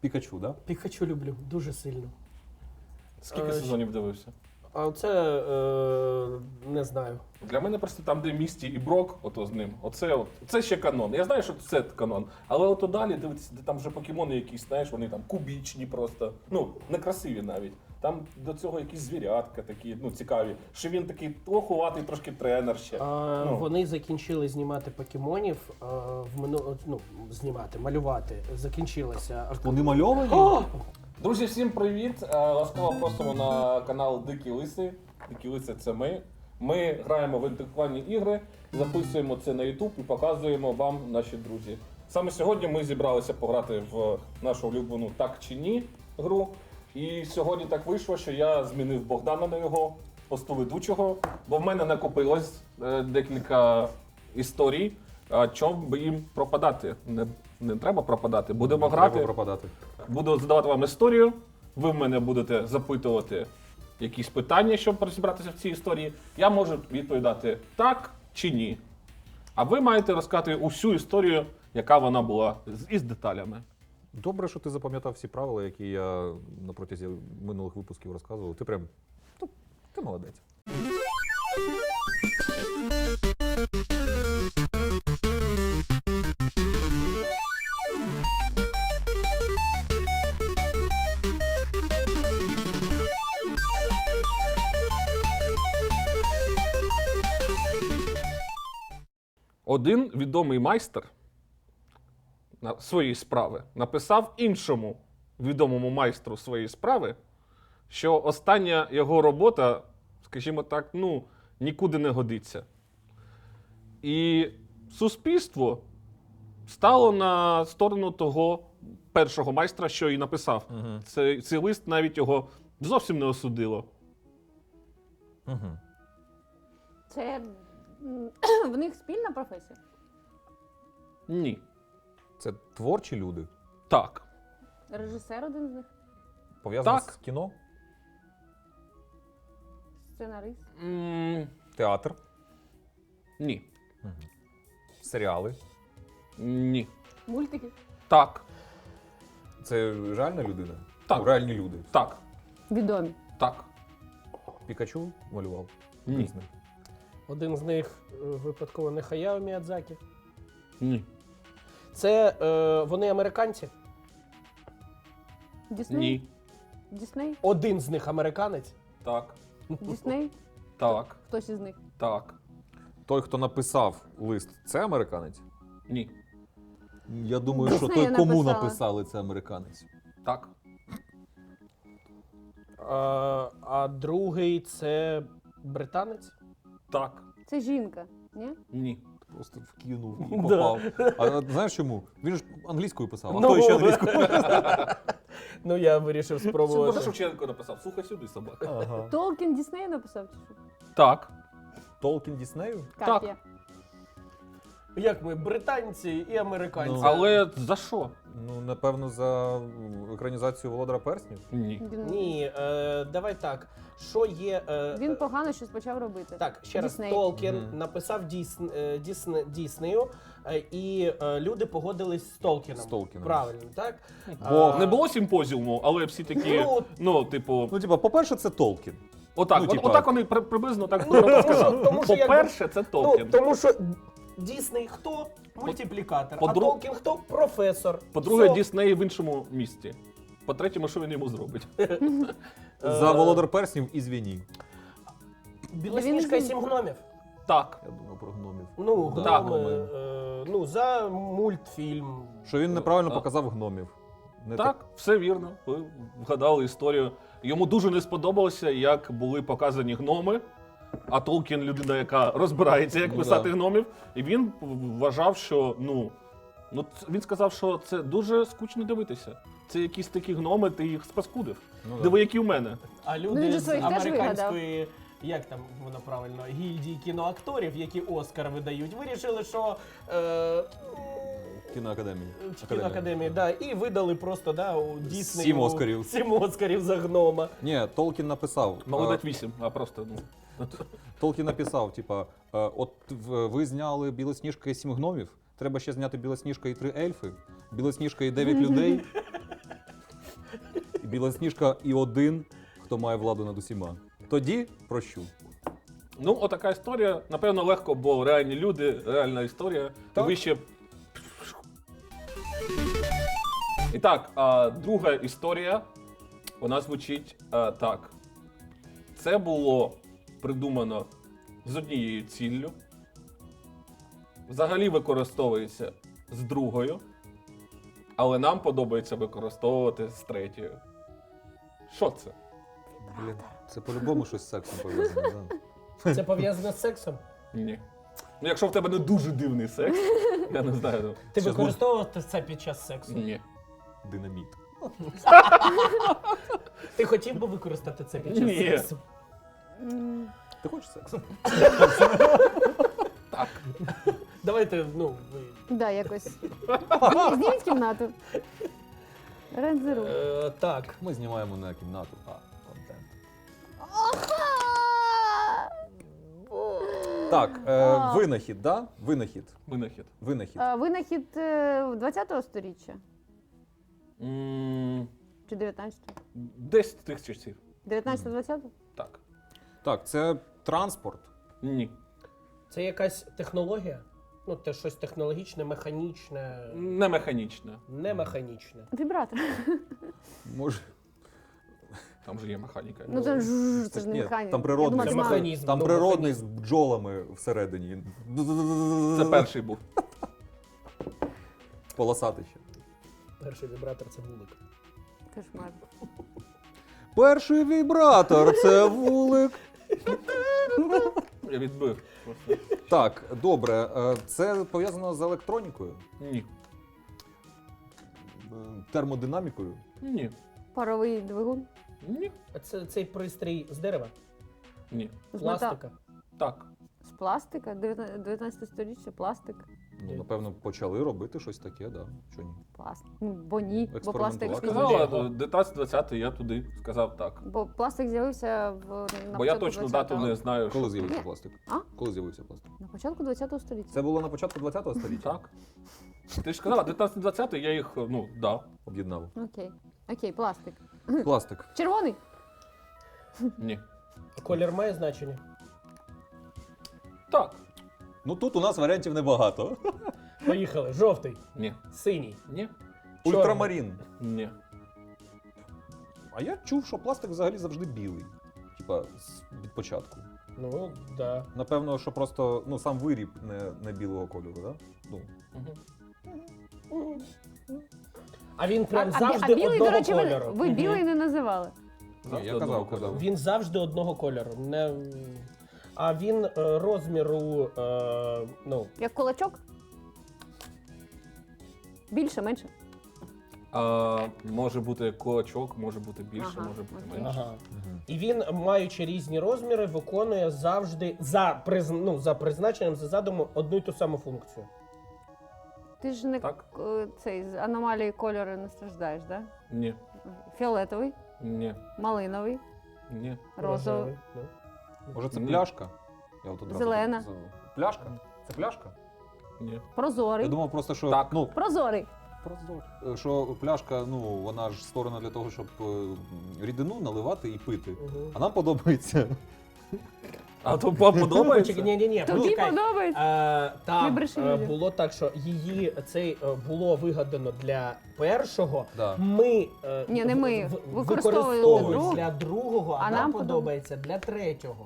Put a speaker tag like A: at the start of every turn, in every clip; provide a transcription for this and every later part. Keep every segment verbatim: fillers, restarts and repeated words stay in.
A: Пікачу, да?
B: Пікачу люблю, дуже сильно.
C: Скільки
B: Е,
C: сезонів дивився?
B: А це е, не знаю.
C: Для мене просто там, де Місті і Брок, ото з ним, оце, от, це ще канон. Я знаю, що це канон, але ото далі дивитися, де там вже покемони якісь, знаєш, вони там кубічні просто, ну, некрасиві навіть. Там до цього якісь звірятка такі, ну, цікаві. Що він такий трохуватий, трошки тренер ще.
B: А,
C: Ну.
B: Вони закінчили знімати покемонів, а, в мину... ну, знімати, малювати. Закінчилося.
A: Вони мальовані?
B: О!
C: Друзі, всім привіт! Е, Ласкаво просимо на канал Дикі Лиси. Дикі Лиси — це ми. Ми граємо в інтелектуальні ігри, записуємо це на YouTube і показуємо вам, наші друзі. Саме сьогодні ми зібралися пограти в нашу улюблену «Так чи ні» гру. І сьогодні так вийшло, що я змінив Богдана на його посту ведучого, бо в мене накопилось е, декілька історій. А чому би їм пропадати? Не, не треба пропадати. Будемо
A: Не
C: грати.
A: Треба пропадати.
C: Буду задавати вам історію, ви в мене будете запитувати якісь питання, щоб розібратися в цій історії. Я можу відповідати так чи ні. А ви маєте розказати усю історію, яка вона була, з- із деталями.
A: Добре, що ти запам'ятав всі правила, які я на протязі минулих випусків розказував. Ти прям, ну, ти молодець.
C: Один відомий майстер на своєї справи написав іншому відомому майстру своєї справи, що остання його робота, скажімо так, ну, нікуди не годиться. І суспільство стало на сторону того першого майстра, що і написав.
A: Угу.
C: Цей, цей лист навіть його зовсім не осудило.
A: Угу.
D: Це м, в них спільна професія?
C: Ні.
A: Це творчі люди,
C: Так.
D: Режисер один з них?
A: пов'язані
C: Так.
A: з кіно,
D: Сценарист?
C: М,
A: театр,
C: ні.
A: угу. серіали.
C: Ні.
D: Мультики?
C: Так.
A: Це реальна людина?
C: Так.
A: Ну, реальні люди.
C: Так.
D: Відомі.
C: Так.
A: Пікачу малював?
C: Ні.
A: Дійсно.
B: Один з них е, випадково не Хаяо Міядзакі.
C: Ні.
B: Це е, вони американці.
D: Дісней?
C: Ні.
D: Дісней?
B: Один з них американець.
C: Так.
D: Дісней?
C: Так.
D: Хтось із них?
C: Так.
A: Той, хто написав лист, це американець?
C: Ні.
A: Я думаю, що
D: Диснея
A: той, кому
D: написала.
A: написали, це американець.
C: Так.
B: А, а другий це британець.
C: Так.
D: Це жінка, ні?
C: Ні.
A: Просто вкинув і
B: Да.
A: попав. А знаєш чому? Він ж англійською писав, а
B: Ну.
A: той ще англійською.
B: Ну я вирішив
C: Це
B: спробувати.
C: Шевченко написав. Слухай сюди, собака.
A: Ага.
D: Толкін Дісней написав чи що?
C: Так.
A: Толкін Діснею?
D: Капія.
B: Як ми, британці і американці.
A: Ну.
C: Але за що?
A: Ну, напевно, за екранізацію Володара Перснів.
C: Ні.
D: Він,
B: Ні, е, давай так. Що є. Е,
D: він погано щось почав робити.
B: Так, ще раз,
D: Дісней.
B: Толкін
A: Мгм.
B: написав Дісн, е, Дісн, Діснею, е, і е, люди погодились з Толкіном.
A: З Толкіном.
B: Правильно, так?
A: Бо
B: А,
C: Не було симпозіуму, але всі такі,
B: Ну,
C: ну, типу,
A: Ну, типа, по-перше, це Толкін.
C: отак.
A: ну,
C: от-
A: типа-
C: Отак вони при- приблизно так
B: Ну, тому
C: сказали.
B: що- тому що якби-
C: По-перше, це
B: Ну,
C: Толкін.
B: тому що Дісней хто? Мультиплікатор. А
C: по-дру-
B: Толкін хто? Професор.
C: По-друге,
B: Все.
C: Дісней в іншому місті. По-третє, що він йому зробить?
A: За
B: Е,
A: Володар Перснів і звіні.
B: Білосніжка і
D: Він-
B: сім гномів.
C: Так.
A: Я думав про гномів.
B: Ну,
A: Да,
B: гноми,
A: гноми.
B: е, ну, за мультфільм.
A: Що він неправильно
C: А.
A: показав гномів. Не
C: Так, все вірно. Ви вгадали історію. Йому дуже не сподобалося, як були показані гноми. А Толкін людина, яка розбирається, як
A: Ну,
C: писати
A: да.
C: гномів. І він вважав, що ну, ну ц- він сказав, що це дуже скучно дивитися. Це якісь такі гноми, ти їх спаскудив.
A: Ну, да.
C: Диви, які в мене.
B: А
D: Ну,
B: люди
D: він же
B: з
D: своїх теж
B: американської, як там воно правильно, гільдії кіноакторів, які Оскар видають, вирішили, що е,
A: Кіноакадемії.
B: в кіноакадемії, да, і видали просто да, у Діснею
A: Сім Оскарів.
B: сім Оскарів за гнома.
A: Ні, Толкін написав.
C: Мало
A: а,
C: дати вісім, а просто ну.
A: Толкін написав, типа, е, от в- ви зняли Білосніжка і сім гномів, треба ще зняти Білосніжка і три ельфи, Білосніжка і дев'ять людей. Білосніжка і один, хто має владу над усіма. Тоді прощу.
C: Ну, отака історія. Напевно, легко, бо реальні люди, реальна історія.
A: Так.
C: Ви ще. І так, а, друга історія, вона звучить а, так. Це було придумано з однією ціллю. Взагалі використовується з другою, але нам подобається використовувати з третьою. Що це?
A: Блін, це по-любому щось з сексом пов'язане. Да?
B: Це пов'язано з сексом?
C: Ні. Ну, якщо в тебе не дуже дивний секс, я не знаю. ну,
B: Ти
A: Що,
B: використовував це під час сексу?
C: Ні.
A: Динаміт.
B: Ти хотів би використати це під час
C: Ні.
B: сексу?
D: М,
A: Ти хочеш сексу?
C: Так.
B: Давайте, ну, ви...
D: Да, якось. Ні, зніміть кімнату. Рендзеру.
B: Е, так.
A: Ми знімаємо на кімнату. А, контент. Так, е, винахід, да? Винахід.
C: Винахід.
A: Винахід.
D: А, Винахід е, двадцятого сторіччя
C: М,
D: чи дев'ятнадцятого?
C: Десь з тих часів.
D: дев'ятнадцятого-двадцятого?
C: Так.
A: Так, це транспорт.
C: Ні.
B: Це якась технологія? Ну, це щось технологічне, механічне,
C: Не механічне.
B: не механічне.
D: Вібратор.
A: Може.
C: Там же є механіка.
D: Ну це ж це ж не
A: Ні,
D: механіка.
A: там
D: Я
A: природний.
D: думала,
B: Це
D: ти мала-
B: механізм.
A: Там
B: ну,
A: природний
B: механізм.
A: з бджолами всередині.
C: Це перший був.
A: Полосатий ще.
B: Перший вібратор це вулик.
D: Кошмар.
A: Перший вібратор це вулик.
C: Я відбив. Просто.
A: Так, добре. е, Це пов'язано з електронікою,
C: Ні.
A: е, термодинамікою.
C: Ні.
D: Паровий двигун.
C: Ні.
B: А це цей пристрій з дерева?
C: Ні.
D: З мета-
B: Пластика?
C: Так.
D: З пластика. дев'ятнадцяте сторіччя, пластик.
A: Ну, напевно, почали робити щось таке, да. Чого ні?
D: Пластик. Ну, бо ні. Бо пластик
A: Експериментувати.
D: пізніше.
C: Сказала, дев'ятнадцять-двадцятий я туди сказав так.
D: Бо пластик з'явився в на
C: Бо я
D: початку
C: точно дату
D: двадцятого.
C: не знаю.
A: Коли
C: що-
A: з'явився
D: Ні.
A: пластик?
D: А?
A: Коли з'явився пластик?
D: На початку двадцятого століття.
A: Це було на початку ХХ століття?
C: Так. Ти ж сказала, дев'ятнадцять-двадцятий я їх, ну, дав.
A: Об'єднав.
D: Окей. Окей, пластик.
A: Пластик.
D: Червоний.
C: Ні.
B: Колір має значення?
C: Так.
A: Ну тут у нас варіантів небагато.
B: Поїхали. Жовтий,
C: Ні.
B: синій,
C: Ні.
B: чорний.
A: Ультрамарін.
C: Ні.
A: А я чув, що пластик взагалі завжди білий. Типа з- від початку.
B: Ну, да.
A: Напевно, що просто ну, сам виріб не, не білого кольору, да? Ну,
C: Угу.
B: А він прям
D: а, а, бі-
B: завжди
D: а білий,
B: одного
D: до речі, ви,
B: кольору.
D: ви білий не називали.
A: Ні, я казав, казав.
B: Він завжди одного кольору. Не... А він е, розміру, е, ну,
D: Як кулачок? Більше, менше.
C: А, може бути кулачок, може бути більше,
D: Ага,
C: може бути
D: окей.
C: менше.
B: ага. І він, маючи різні розміри, виконує завжди за, приз... ну, за призначенням, за задумом одну й ту саму функцію.
D: Ти ж не
C: Так.
D: к- цей з аномалії кольору не страждаєш, да?
C: Ні.
D: Фіолетовий,
C: Ні.
D: малиновий,
C: Ні.
D: розовий.
B: ну.
A: Може це
C: Ні.
A: пляшка? Я от одразу
D: Зелена.
A: так сказав. Пляшка? Це пляшка?
C: Ні.
D: Прозорий.
A: Я думав просто, що
C: Так.
A: ну,
D: Прозорий.
A: прозор- що пляшка, ну, вона ж створена для того, щоб е, рідину наливати і пити.
B: Угу.
A: А нам подобається.
C: А то вам подобається?
B: Ні, ні, ні,
D: Тобі подобається?
B: Е,
D: Не
B: там
D: бреши
B: е,
D: людям.
B: було так, що її цей е, було вигадано для першого.
A: Да.
B: Ми, е,
D: Ні, не ми.
B: в- в-
D: Використовуємо
B: використовуємо
D: для
B: для другого, а,
D: А
B: нам
D: нам
B: подобається для третього.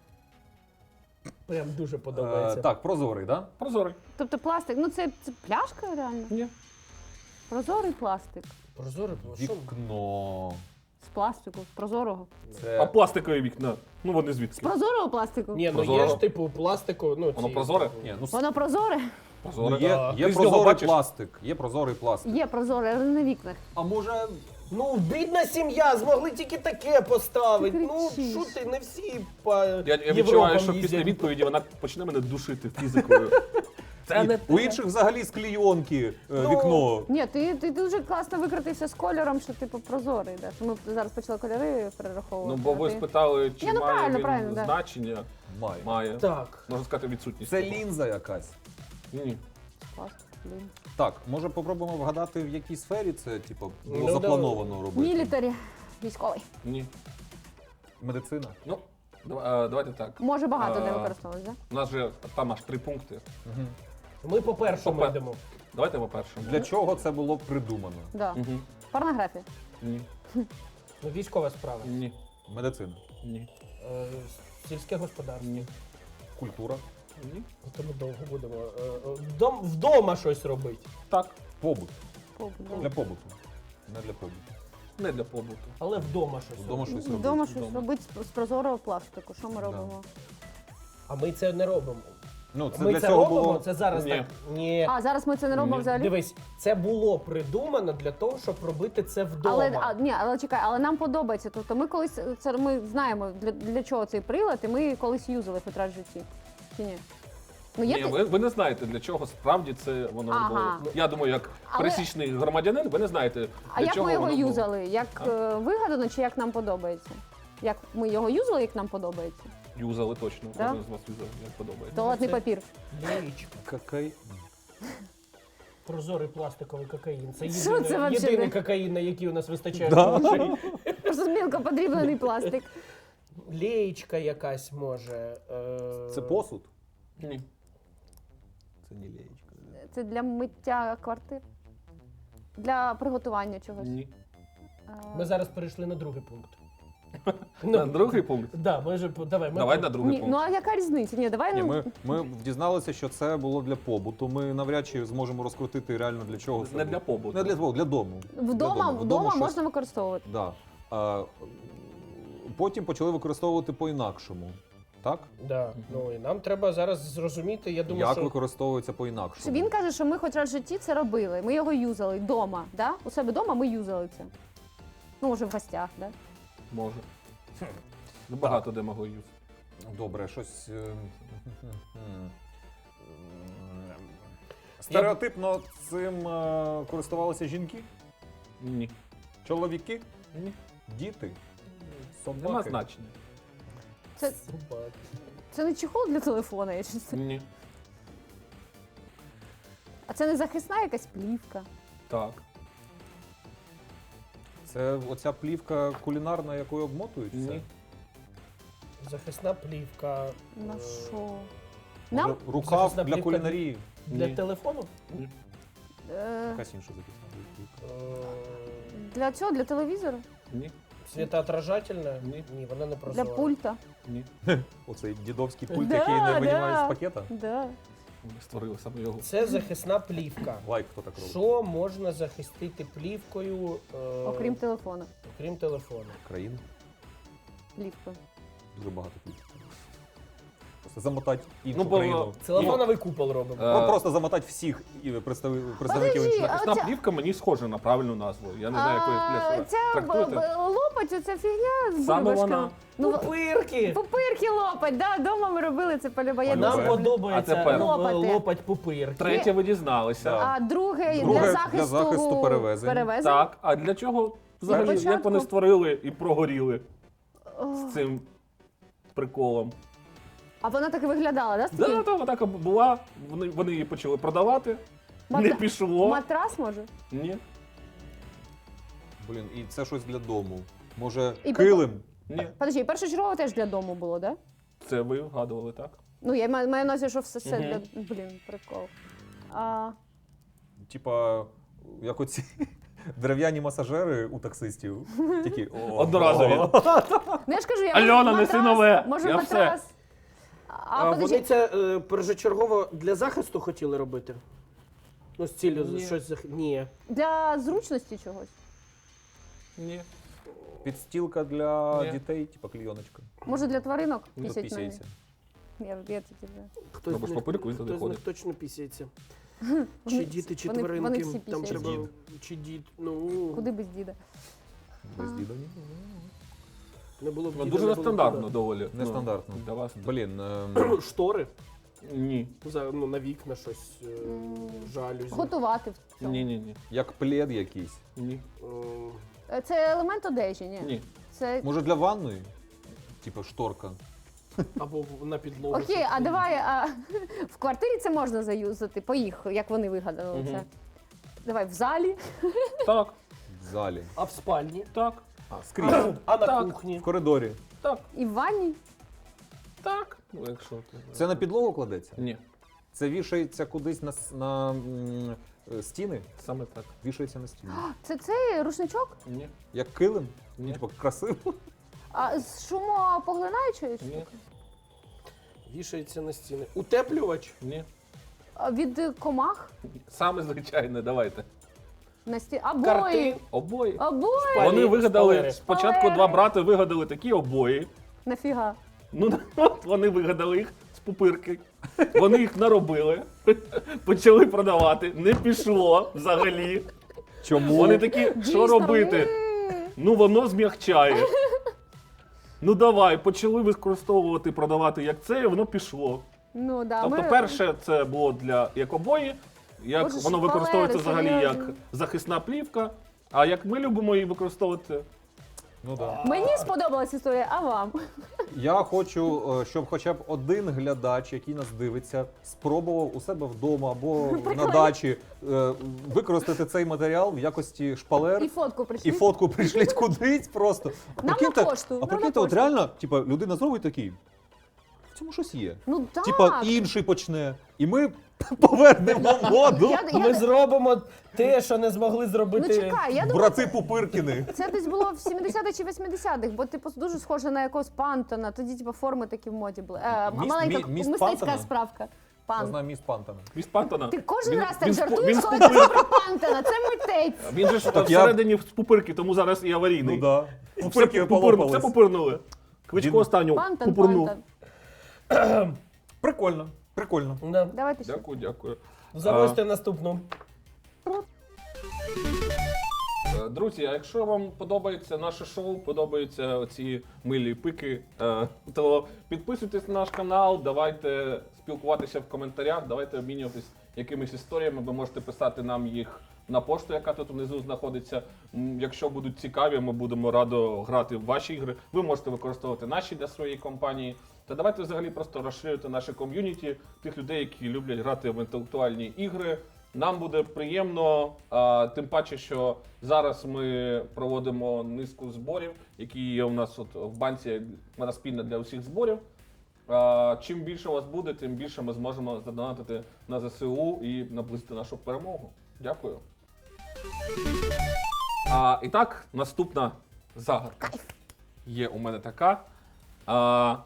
B: Прям дуже
A: Е,
B: подобається.
A: так, прозорий, да?
C: Прозорий.
D: Тобто пластик, ну це, це пляшка реально?
C: Ні.
D: Прозорий пластик.
B: Прозорий, ну, що?
A: Вікно.
D: З пластику, з прозорого.
C: А
A: Це
C: пластикові вікна? Ну вони
D: З
C: звідки?
D: прозорого пластику?
B: Ні, ну є
C: Прозоро.
B: ж типу пластику, ну
C: Воно
B: ці-
C: прозоре?
A: Ні, ну,
D: Воно прозоре?
A: ну,
C: Прозоре.
A: є,
B: Да.
A: є
C: Ти з нього
A: прозорий
C: бачиш?
A: пластик. Є прозорий пластик.
D: Є прозоре, але не на вікнах.
A: А може.
B: Ну, бідна сім'я, змогли тільки таке поставити.
D: Ти
B: Ну,
D: кричиш.
B: що ти, не всі по
C: Я, я
B: Європам
C: відчуваю, що
B: їздять.
C: після відповіді вона почне мене душити фізикою. Це не
A: У
C: те.
A: інших взагалі з клійонки е,
B: Ну,
A: вікно.
D: Ні, ти, ти дуже класно викрутився з кольором, що типу прозорий. Да? Що ми зараз почали кольори перераховувати.
C: Ну, бо ви
D: а ти-
C: спитали, чи
D: Ні, ну,
C: має
D: правильно,
C: він
D: правильно, да.
C: значення.
A: Має.
C: Має.
B: Так.
C: Можна сказати, відсутність.
A: Це лінза якась.
C: Ні.
D: Пластик. Блін.
A: Так, може попробуємо вгадати, в якій сфері це типу, було
B: Ну,
A: заплановано робити?
D: Мілітарі. Військовий.
C: Ні.
A: Медицина.
C: Ну, дава- е, давайте так.
D: Може багато де
C: А,
D: використовувати, так?
C: У нас же там аж три пункти.
B: Ми по першому
C: Попе-
B: йдемо.
C: Давайте по першому.
A: Для чого це було придумано?
D: Да.
C: Угу.
D: Порнографія.
C: Ні.
B: Ну, військова справа.
C: Ні.
A: Медицина.
C: Ні.
B: Е, Сільське господарство.
C: Ні.
A: Культура.
C: Ні.
B: То ми довго будемо. Е, е, вдом- Вдома щось робити.
C: Так.
A: Побут.
D: Побут, да.
A: Для побуту. Не для побуту.
C: Не для побуту.
B: Але вдома щось.
A: Вдома
B: робити.
A: щось робити.
D: Вдома щось
C: Вдома.
D: робити з- з прозорого пластику. Що ми
A: Да.
D: робимо?
B: А ми це не робимо.
A: Ну, це
B: ми
A: для
B: це
A: цього
B: робимо,
A: було.
B: це зараз
C: Ні.
B: так. Ні.
D: А, зараз ми це не робимо
C: Ні.
D: взагалі?
B: Дивись, це було придумано для того, щоб робити це вдома.
D: Але, а, ні, але чекай, але нам подобається. Тобто ми колись, це ми знаємо, для, для чого цей прилад, і ми колись юзали хоч раз в житті. Чи ні? Ну, є
C: Ні,
D: ти-
C: ви, ви не знаєте, для чого справді це воно
D: Ага.
C: було. Я думаю, як
D: Але-
C: пересічний громадянин, ви не знаєте,
D: А
C: для
D: як
C: чого
D: ми його
C: воно було.
D: юзали? Як е, вигадано чи як нам подобається? Як ми його юзали, як нам подобається?
C: Юзали точно.
D: Да?
C: Кожен з вас юзав, як подобається.
D: Туалетний
B: це-
D: папір.
B: Лієчка.
A: Какай...
B: Прозорий пластиковий кокаїн. Це
D: Що
B: єдиний,
D: це вообще
B: єдиний
D: таке?
B: кокаїн, на який у нас вистачає
A: Да.
B: грошей.
D: Просто мілко подріблений пластик.
B: Лієчка якась може. Е...
A: Це посуд?
C: Ні.
A: Це не леєчка.
D: Це для миття квартир? Для приготування чогось?
C: Ні.
D: Е,
B: Ми зараз перейшли на другий пункт.
C: На другий пункт.
B: Да, ми ж, давай, ми
C: Давай
B: по-
C: на другий
D: Ні, ну
C: пункт.
D: а яка різниця? Ні, давай
A: Ні,
D: ну.
A: ми, ми дізналися, що це було для побуту. Ми навряд чи зможемо розкрутити реально для чого це
C: Не
A: було.
C: для побуту.
A: Не для побуту, для дому.
D: Вдома,
A: для
D: вдома
A: щось-
D: можна використовувати.
A: Да. А, потім почали використовувати по-інакшому. Так?
B: Да. Ну і нам треба зараз зрозуміти, я думаю,
A: Як
B: що
A: використовується по-інакшому?
D: Він каже, що ми хоч раз в житті це робили. Ми його юзали вдома. Да? У себе вдома ми юзали це. Ну, може, в гостях, да?
C: Може. Ну, багато де могли юзати.
A: Добре, щось. е, м, Стереотипно цим е, користувалися жінки,
C: Ні.
A: чоловіки,
C: Ні.
A: діти,
C: Нема
A: собаки.
C: значення.
D: Це,
B: Собаки.
D: це не чехол для телефона, я чесно.
C: Ні.
D: А це не захисна якась плівка.
C: Так.
A: Це оця плівка кулінарна, якою обмотують все?
C: Ні.
B: Захисна плівка.
D: На
B: е,
D: що?
A: Може,
D: Нам
A: рукав
B: Захисна
A: для
B: плівка
A: кулінарії.
B: Для
C: Ні.
B: телефону?
C: Ні.
D: е,
A: Якась інша захисна плівка.
B: Е,
D: для цього, для телевізора,
C: Ні.
B: Світоотражательна?
C: Ні.
B: Ні, вона не
D: для
B: прозора.
D: пульта.
C: Ні.
A: Оцей дідовський пульт,
D: Да,
A: який не
D: да.
A: винімаєш з пакета.
D: Да.
C: Ми створили саме його.
B: Це захисна плівка.
A: Лайк, хто так робить.
B: Що можна захистити плівкою, е,
D: Окрім телефона.
B: окрім телефону?
A: Країн.
D: Плівкою.
A: Дуже багато плівки. Просто замотати іншу
C: Ну, бо-
A: країну.
B: Целофановий купол робимо.
C: Е,
A: Ну, просто замотати всіх і представ- представників
D: Подожди,
A: інших.
D: а
C: Захисна
D: оця-
C: плівка мені схожа на правильну назву. Я не знаю, якої
D: А,
C: пляшки.
D: Ця б-
C: Трактуйте.
D: б- лопать, оця фігня з
C: Саме
D: бульбашками.
C: вона.
D: Ну,
B: Пупирки!
D: пупирки лопать, да, вдома ми робили це полюба. Я
A: Полюбе.
B: Нам
D: дуже люблю.
B: подобається
C: А тепер?
B: лопати.
D: Лопати.
B: лопать пупирки.
C: Третє ви дізналися.
A: Да.
D: А друге,
A: Друге
D: для
A: для
D: захисту,
A: захисту перевезень.
C: Так, а для чого взагалі,
D: початку.
C: як вони створили і прогоріли
D: О,
C: з цим приколом?
D: А вона так і виглядала, да? з
C: Да,
D: таким?
C: та, така була, вони, вони її почали продавати, не
D: Мата-
C: пішло.
D: Матрас може?
C: Ні,
A: Блін, і це щось для дому. Може,
D: І
A: килим?
C: ні.
D: Подожди, першочергово теж для дому було, да?
C: Це ви вгадували, так?
D: Ну, я маю маю на увазі, що все, все
C: Мгм.
D: для... Блін, прикол. А,
A: Типа, як оці дерев'яні масажери у таксистів. Такі, о,
C: Одноразові.
A: о.
D: ну я ж кажу, я
C: Альона,
D: може,
C: неси
D: матрас,
C: нове,
D: Може,
C: я
D: матрас. А,
B: А
D: подожди,
B: вони це е, першочергово для захисту хотіли робити? Ну, з ціллю
C: Ні.
B: щось зах... Ні.
D: для зручності чогось.
C: Ні.
A: Підстілка для
C: Ні.
A: дітей, типа клійоночка.
D: Може, для тваринок
A: Ну,
D: пісять на неї?
A: пісяється.
D: Я, я тільки вже.
B: Хтось
C: Робиш
B: з них-
C: папирку, він туди
B: хтось з них
C: ходить.
B: точно пісяється.
D: Вони
B: Чи
D: всі-
B: діти, чи
D: вони-
B: тваринки.
D: вони всі
B: Там
D: пісяють.
B: треба.
A: Дід.
B: Чи дід. Ну,
D: Куди без діда?
A: Без
D: А.
A: діда ні.
B: не було б
C: Ну,
B: діда,
C: дуже
B: не було б
C: нестандартно
B: діда.
C: доволі. Ну,
A: Нестандартно.
C: для вас.
A: Блін, ем,
B: Штори.
C: Ні.
B: За, ну, на вікна щось е,
D: М,
B: жалюзі.
D: Готувати в цьому.
C: Ні, ні, ні.
A: як плед якийсь.
C: Ні.
B: Ем,
D: Е, Це елемент одежі, ні?
C: Ні.
D: Це
A: Може для ванної? Типа шторка.
B: Або в- на підлогу.
D: Окей,
B: щоб
D: а
B: не-
D: давай а, в квартирі це можна заюзати, по їх, як вони вигадали
C: Мгм.
D: це. Давай в залі.
C: Так,
A: В залі.
B: А в спальні?
C: так,
A: А, скрізь.
B: А на
C: Так.
B: кухні?
A: В коридорі.
C: так,
D: І в ванні.
C: так. Ну, якщо ти...
A: Це на підлогу кладеться?
C: Ні,
A: Це вішається кудись на, с- на м, е, стіни?
C: саме так.
A: Вішається на стіни.
D: Це цей рушничок?
C: Ні,
A: Як килим?
C: Ні.
A: Типу красиво.
D: А з шумопоглинаючою?
C: ні,
B: Вішається на стіни. Утеплювач?
C: ні.
D: А від е, комах?
C: Саме звичайне, давайте.
D: На сті... Обої.
B: Картин?
C: Обої.
D: Обої.
B: Шпалери,
C: Вони вигадали,
B: шпалери.
C: спочатку
D: Шпалери.
C: два брати вигадали такі обої.
D: Нафіга?
C: Ну, от вони вигадали їх з пупирки. Вони їх наробили, почали продавати. Не пішло взагалі.
A: Чому?
C: Вони такі, що
D: Дійсно,
C: робити?
D: ні.
C: Ну воно змягчає. Ну давай, почали використовувати, продавати як це, і воно пішло.
D: Ну, да,
C: Тобто,
D: ми...
C: перше, це було для як обої, як
D: Боже,
C: воно
D: шпалери,
C: використовується взагалі як
D: серйозно.
C: захисна плівка. А як ми любимо її використовувати,
A: Ну так.
D: Мені сподобалась історія, а вам?
A: Я хочу, е, щоб хоча б один глядач, який нас дивиться, спробував у себе вдома або на дачі е, використати цей матеріал в якості шпалер.
D: І фотку
A: І
D: прийшли.
A: фотку прийшліть кудись просто. А
D: Нам
A: прикиньте-
D: на пошту,
A: А
D: нам
A: прикиньте,
D: на
A: от
D: пошту.
A: реально, типа, людина зробить такий. В цьому щось є.
D: Ну так.
A: Типа інший почне. І ми повернемо моду.
D: Я, я,
B: Ми зробимо те, що не змогли
D: ну
B: зробити.
D: чекай, я думаю,
A: Брати Пупиркіни.
D: це десь було в сімдесятих чи восьмидесятих, бо типу дуже схоже на якогось пантона. Тоді типу форми такі в моді були. Е,
A: Міст-
D: маленька
A: мі- міст
D: мистецька
A: Пантона?
D: справка.
A: Я
D: Пан.
A: знаю міст Пантона.
C: міст Пантона.
D: Ти кожен
C: Він-
D: раз так
C: він з пу-
D: жартуєш,
C: він з
D: коли
C: пупир-
D: кажеш про Пантона. Це митець.
C: Він же ж
A: Так я-
C: всередині з пупирки, тому зараз і аварійний.
A: Ну да.
C: Все
A: Пупирки
C: пупир- Все
A: полопались.
C: пупирнули. Кличко
A: Він-
C: останню
D: Пантон,
C: пупирнув.
D: Пантон.
A: Прикольно. Прикольно.
B: Да.
D: Давайте ще.
C: Дякую, дякую.
B: Завозьте наступну.
C: Е, Друзі, а якщо вам подобається наше шоу, подобаються оці милі пики, е, то підписуйтесь на наш канал, давайте спілкуватися в коментарях, давайте обмінюватись якимись історіями. Ви можете писати нам їх на пошту, яка тут внизу знаходиться. М, Якщо будуть цікаві, ми будемо радо грати в ваші ігри. Ви можете використовувати наші для своєї компанії. Та давайте взагалі просто розширювати наше ком'юніті тих людей, які люблять грати в інтелектуальні ігри. Нам буде приємно, а, тим паче, що зараз ми проводимо низку зборів, які є у нас от в банці, вона спільна для усіх зборів. А, чим більше у вас буде, тим більше ми зможемо задонатити на ЗСУ і наблизити нашу перемогу. Дякую. А, і так, наступна загадка. Є у мене така. А,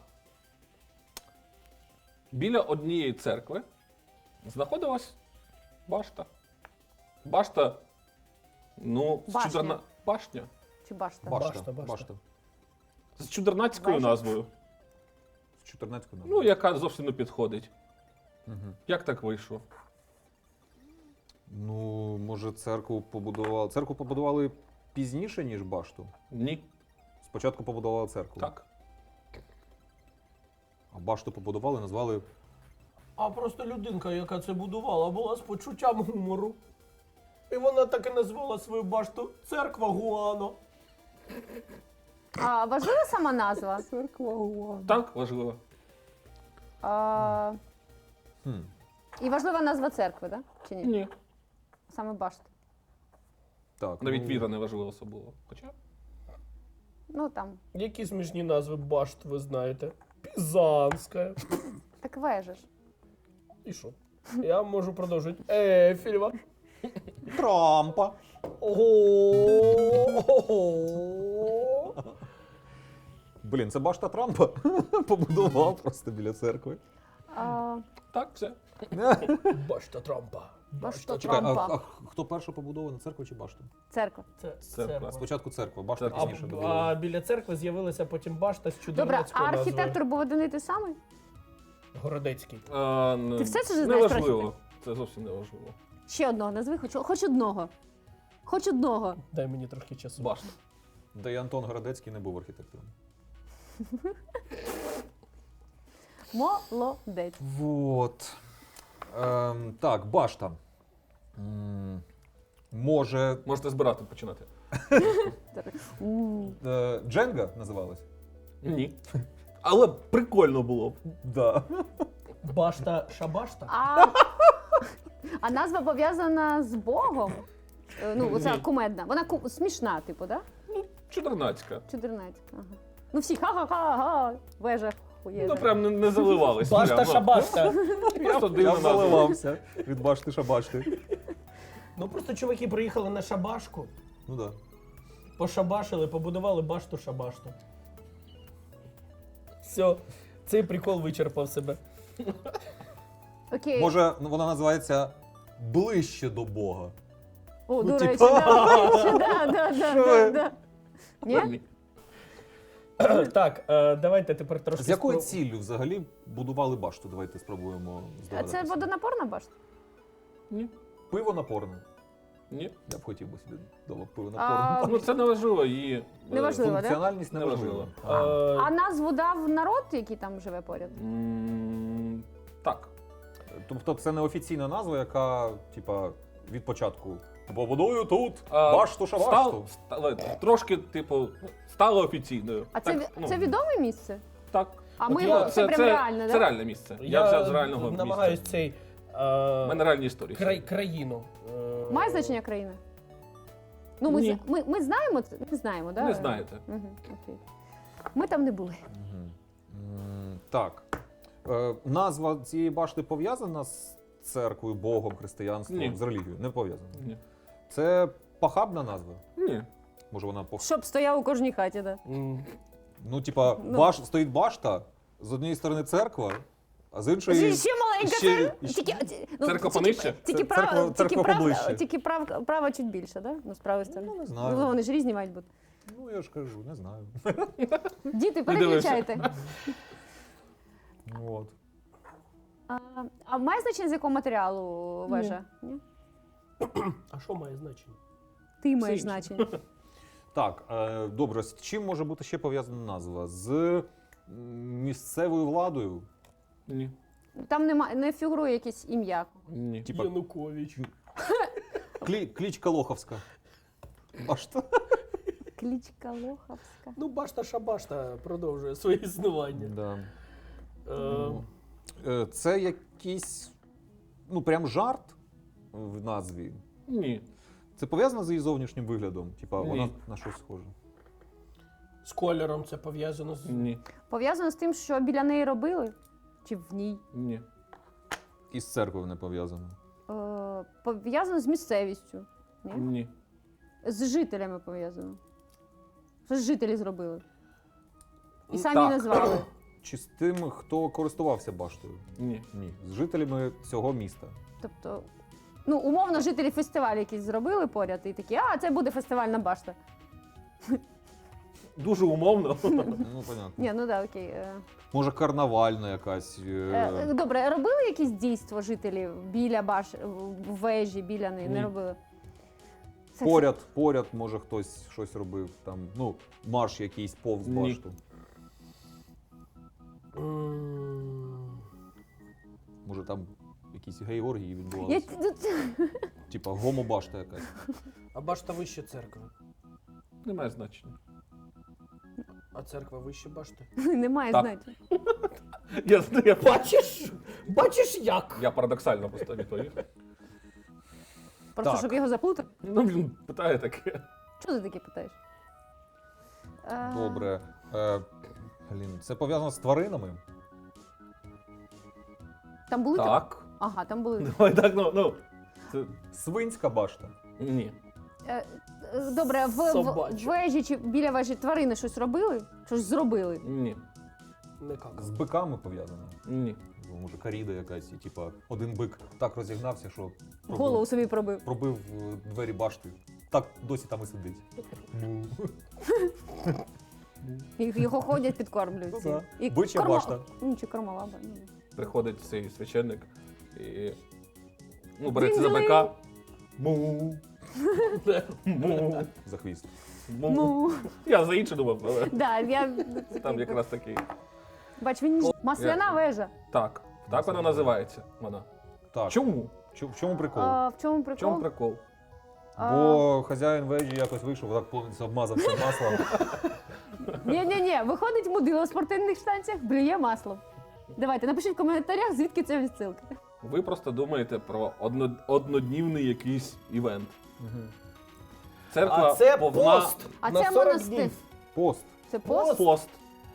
C: біля однієї церкви знаходилась башта. Башта, ну, з
D: Башня.
C: чудерна... башня.
D: Чи башта?
A: Башта.
B: Башта, башта.
A: Башта.
C: З чудернацькою
D: Башня.
C: назвою.
A: З чотирнадцятого
C: Ну, яка зовсім не підходить.
A: Мгм.
C: Як так вийшло?
A: Ну, може, церкву побудували. Церкву побудували пізніше, ніж башту.
C: Ні.
A: Спочатку побудували церкву.
C: Так.
A: А башту побудували, назвали.
B: А просто людинка, яка це будувала, була з почуттям гумору. І вона так і назвала свою башту Церква Гуано.
D: А важлива сама назва?
B: Церква Гуано.
C: Так, важливо.
D: А,
A: Хм.
D: і важлива назва церкви, так? Чи ні?
C: Ні.
D: Саме башта.
A: Так,
C: Навіть
A: ну,
C: віра не важлива особливо. Хоча.
D: Ну там,
B: Які смішні назви башт ви знаєте? Пізанська.
D: так вежа ж.
B: І що? Я можу продовжити. Ейфелева.
A: Трампа.
B: Ого.
A: Блін, це башта Трампа. Побудував просто біля церкви.
D: А,
C: Так, все.
B: Башта Трампа.
D: Башта
A: Чекай, а,
D: Трампа.
A: а хто перше побудував на церкву чи башту?
D: Церква.
B: Це
C: Церква.
B: церква.
A: Спочатку церква, башта
C: Церква.
B: А,
A: пізніше
B: а
A: добудували.
B: біля церкви з'явилася потім башта з
D: Добре,
B: чудернацькою
D: а
B: назвою.
D: архітектор був один і той самий?
B: Городецький.
C: А, не,
D: Ти все це ж
C: не
D: знаєш про
C: важливо. Це зовсім не важливо.
D: Ще одного назви, хоч, хоч одного. Хоч одного.
B: Дай мені трохи часу.
C: Башта.
A: Та й Антон Городецький не був архітектором.
D: Молодець.
A: Вот. Ем, так, башта. М, Може.
C: Можете збирати починати.
D: М.
A: е, Дженга називалась?
C: Ні. Але прикольно було б.
A: Да.
B: Башта шабашта?
D: А, а назва пов'язана з Богом? Е, Ну, оця
C: Ні.
D: кумедна. Вона ку- смішна, типу, да?
C: Чотирнацька.
D: Чотирнадцять. Ага. Ну всі ха-ха-ха, вежа хуєжа.
C: Ну прям не, не заливались.
B: Башта
C: прям, ну.
B: шабашта.
C: Просто дивно
A: Я
C: назва.
A: заливався від башти шабашти.
B: Ну просто чуваки приїхали на шабашку,
A: Ну да.
B: пошабашили, побудували башту шабашту. Все, цей прикол вичерпав себе.
D: Окей.
A: Може, ну, вона називається «Ближче до Бога».
D: О,
A: ну,
D: до речі,
A: типа-
D: да, ближче, да, да, да,
A: Що
D: да,
A: ви?
D: да. Ні?
C: Ні.
B: Так, е, давайте тепер трошки.
A: З якою
B: спро-
A: ціллю взагалі будували башту? Давайте спробуємо
D: А
A: здогадатися.
D: це водонапорна башта?
C: Ні.
A: Пиво напорне.
C: Ні.
A: Я б хотів би собі вдома пиво
D: А,
A: напорне.
C: Ну це не важливо. Її
D: Не важливо. да?
A: Функціональність
C: Не
A: неважлива.
C: важливо.
B: Е,
D: А назву дав народ, який там живе поряд?
C: М, Так.
A: Тобто це не офіційна назва, яка, типа, від початку побудую тут
C: А,
A: башту шабашту.
C: Став, стали, трошки, типу, стало офіційною.
D: А це,
C: Так,
D: ві-
C: ну,
D: це відоме місце?
C: Так.
D: А
B: От
D: ми
B: я-
D: його, це, прям реально,
C: це
D: да?
C: реальне місце. Я, взяв з реального
B: намагаюсь
C: місця.
B: цей.
C: У мене
B: Е,
C: реальні історії.
B: край, країну. е,
D: Має значення країна? Ну, ми,
C: Ні.
D: з- ми, ми знаємо, це? Не знаємо, да?
C: Не знаєте.
D: Угу, окей. Ми там не були.
A: Мгм. М, Так. Е, Назва цієї башти пов'язана з церквою, Богом, християнством,
C: Ні.
A: з релігією? Не пов'язана.
C: Ні.
A: Це похабна назва?
C: Ні.
A: Може вона пох...
D: Щоб стояв у кожній хаті, да.
B: м,
A: Ну, типа,
D: Ну.
A: баш... стоїть башта, з однієї сторони церква, а з іншої.
D: Ще маленька
A: ще-
D: це. Тільки, ну,
C: Церква
D: тільки-
C: понижче?
D: Тільки
A: Церква-
D: права,
A: церква
D: тільки права,
A: поближче.
D: тільки прав, права чуть більше, да? Ну, справа з
A: Ну, не знаю.
D: Ну, вони ж різні мають бути.
A: Ну, я ж кажу, не знаю.
D: Діти,
C: дивишся.
D: переключайте.
A: От.
D: А, а має значення, з якого матеріалу вежа? Ні.
B: А що має значення?
D: Ти маєш
C: інше.
D: значення.
A: Так, е, добре, з чим може бути ще пов'язана назва? З м, місцевою владою?
C: Ні.
D: Там нема, не фігурує якесь ім'я.
C: Ні.
A: Типа
B: Янукович.
A: клі, клічка Лоховська. Башта?
D: Клічка Лоховська.
B: Ну, башта шабашта продовжує своє існування.
A: Да.
B: Е,
A: Е, Це якийсь, ну, прям жарт в назві.
C: Ні.
A: Це пов'язано з її зовнішнім виглядом? Типа,
C: Ні.
A: вона на щось схожа.
B: з кольором це пов'язано з.
C: Ні.
D: Пов'язано з тим, що біля неї робили? Чи в ній?
C: Ні.
A: І з церквою не пов'язано.
D: Е, пов'язано з місцевістю. Ні?
C: Ні.
D: З жителями пов'язано. Що ж жителі зробили? І самі
C: Так.
D: назвали.
A: Чи з тим, хто користувався баштою?
C: Ні.
A: Ні. З жителями цього міста.
D: Тобто, ну, умовно, жителі фестивалю якісь зробили поряд і такі, а, це буде фестивальна башта.
C: Дуже умовно.
A: Ну, понятно.
D: Ні, ну да, окей. Е,
A: Може, карнавальна якась.
D: Е,
A: Е...
D: Добре, робили якісь дійство жителів біля баш, в вежі, біля неї? Не
C: Ні.
D: робили? Це-
A: Поряд, поряд, може, хтось щось робив. Там, ну, марш якийсь повз
C: Ні.
A: башту.
B: М,
A: Може, там якісь георгії
D: Я...
A: відбувалися. Типа гомобашта якась.
B: А башта вище церкви.
C: Немає значення.
B: А церква вище башти.
D: Немає
C: Так.
D: значення.
C: Я, я,
B: Бачиш? Бачиш як?
C: я парадоксально просто відповів.
D: Просто
A: Так.
D: щоб його заплутати.
C: Ну, він питає таке.
D: Чого ти таке питаєш? Е,
A: Добре. Е, блін, це пов'язано з тваринами?
D: Там були такі?
C: Так.
D: Ага, там були.
C: Давай так, ну, ну. Це...
A: Свинська башта.
C: Ні.
D: Е, е, Добре, в, в,
B: Собача.
D: в вежі чи біля вежі тварини щось робили? Щось зробили?
C: Ні.
B: Не как.
A: З биками пов'язано.
C: Ні.
A: Ну, може, коріда якась, і типа один бик так розігнався, що пробив,
D: Голову собі пробив.
A: пробив е, двері башти. Так досі там і сидить. Ну,
D: І його ходять, підкормлюють.
A: Ну
D: всі.
A: да.
D: І
A: Бича
D: корма-
A: башта.
D: Ну, чи кормолаба. ну.
C: Приходить цей священник і. Ну, береться за
D: Дзинь-дзинь.
C: бика. Му. Му.
A: За хвіст.
C: Му.
D: Ну,
C: Я за інше думав, але
D: да, я...
C: там якраз такий.
D: Бач, він ніж- масляна
C: Я-
D: вежа.
C: Так. Так вона називається. Вона.
A: Так.
C: Чому?
A: Чу- В чому прикол?
D: А, в чому
C: В
D: прикол?
C: чому прикол?
A: Бо хазяїн вежі якось вийшов, так повністю обмазався маслом.
D: Ні-ні-ні, виходить мудило в спортивних штанцях, блює маслом. Давайте, напишіть в коментарях, звідки ця відсилка.
C: Ви просто думаєте про одно, одноднівний якийсь івент. Церква
B: А це
C: повна
B: пост
D: А
B: на
D: це
B: сорок
D: монастир.
B: днів.
A: Пост.
D: Це пост?
C: пост.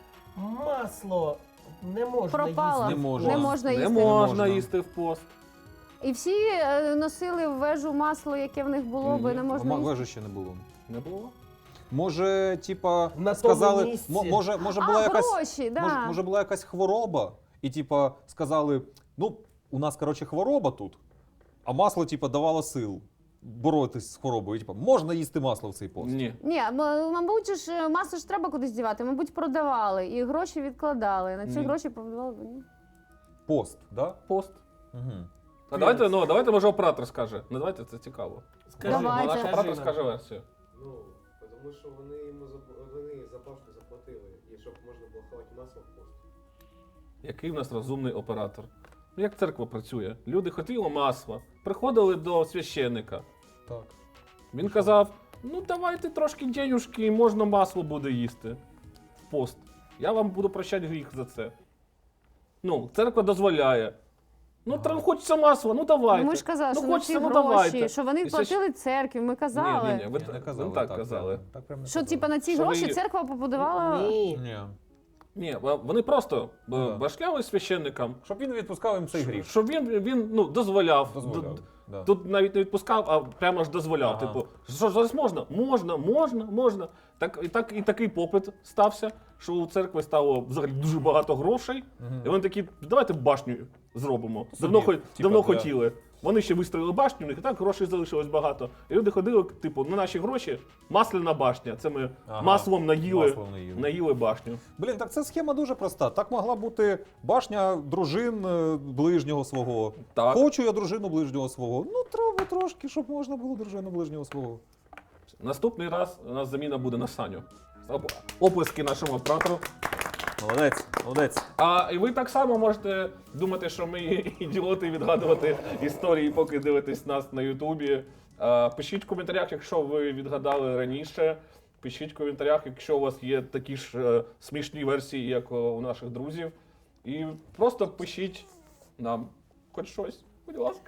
B: Масло не можна
D: Пропало.
B: їсти.
A: Не можна.
D: Не можна
C: Не
D: їсти.
C: можна
A: можна.
C: їсти в пост.
D: І всі е, носили в вежу масло, яке в них було, бо
C: Ні,
D: не
A: А
D: можна їсти.
A: вежі ще не було.
C: Не було?
A: Може, типа,
B: На
A: сказали,
B: тому місці.
A: мо- може, може
D: А,
A: була якась,
D: гроші, да.
A: може, може була якась хвороба, і типа сказали, ну, у нас, коротше, хвороба тут, а масло, типа, давало сил боротись з хворобою. І, типа, можна їсти масло в цей пост.
C: Ні.
D: Ні, м- мабуть, же ж масло ж треба кудись дівати, мабуть, продавали і гроші відкладали. На ці
C: Ні.
D: гроші продавали. Ні?
A: Пост, да?
C: Пост.
A: Угу.
C: А давайте, ну, давайте, може, оператор скаже. Ну, давайте, це цікаво.
B: Скажи,
D: Давайте.
C: Наш
B: скажи
C: оператор
B: нам.
C: скаже версію.
E: Ну, тому що вони йому заб- вони за башню заплатили, і щоб можна було ховати масло в пост.
C: Який в нас розумний оператор. Ну, як церква працює? Люди хотіли масла, приходили до священника.
A: Так.
C: Він казав: ну давайте трошки денюжки, і можна масло буде їсти в пост. Я вам буду прощати гріх за це. Ну, церква дозволяє. Ну,
A: Ага.
C: треба хочеться масла, ну давайте.
D: Ну, ми ж казали,
C: ну,
D: що на ці
C: хочеться, ну,
D: гроші,
C: давайте.
D: що вони
C: І це
D: платили церкві, ми казали.
C: Ні, ні, ні, ви,
A: Ні, не
C: ви
A: казали.
C: так казали.
A: прям- Так прям не
D: Що,
A: казали.
D: типа, на ці
C: Що
D: гроші
C: ви-
D: церква побудувала.
B: Ні.
A: Ні.
C: Ні, вони просто
A: Ну, да.
C: башляли священникам,
A: Щоб він відпускав їм цей гріх.
C: щоб він, він ну, дозволяв.
A: Дозволяв.
C: Д-
A: Да.
C: Тут навіть не відпускав, а прямо ж дозволяв.
A: Ага.
C: Типу, що зараз можна? Можна, можна, можна. Так, і, так, і такий попит стався, що у церкви стало взагалі дуже багато грошей.
A: Мгм.
C: І вони такі, давайте башню зробимо.
A: Собі,
C: Давно, хо-
A: типа,
C: давно
A: для-
C: хотіли. Вони ще вистроїли башню, у них і так грошей залишилось багато. І люди ходили, типу, на наші гроші масляна башня. Це ми
A: Ага.
C: маслом наїли,
A: Маслом наїли.
C: наїли башню.
A: Блін, так ця схема дуже проста. Так могла бути башня дружин е, ближнього свого.
C: Так.
A: Хочу я дружину ближнього свого. Ну, треба трошки, щоб можна було дружину ближнього свого.
C: Наступний раз у нас заміна буде на Саню. Оп- Оплески нашому оператору.
A: Молодець, молодець.
C: А і ви так само можете думати, що ми ідіоти, відгадувати історії, поки дивитесь нас на Ютубі. А, Пишіть в коментарях, якщо ви відгадали раніше. Пишіть в коментарях, якщо у вас є такі ж е, смішні версії, як е, у наших друзів. І просто пишіть нам хоч щось, будь ласка.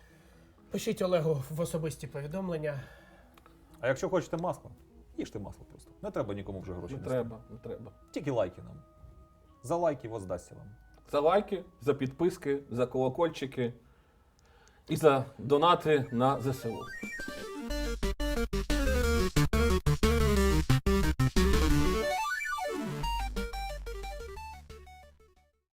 B: Пишіть Олегу в особисті повідомлення.
A: А якщо хочете масло, їжте масло просто. Не треба нікому вже гроші.
C: Не
A: нести.
C: треба, не треба.
A: Тільки лайки нам. За лайки воздасться вам.
C: За лайки, за підписки, за колокольчики і за донати на ЗСУ.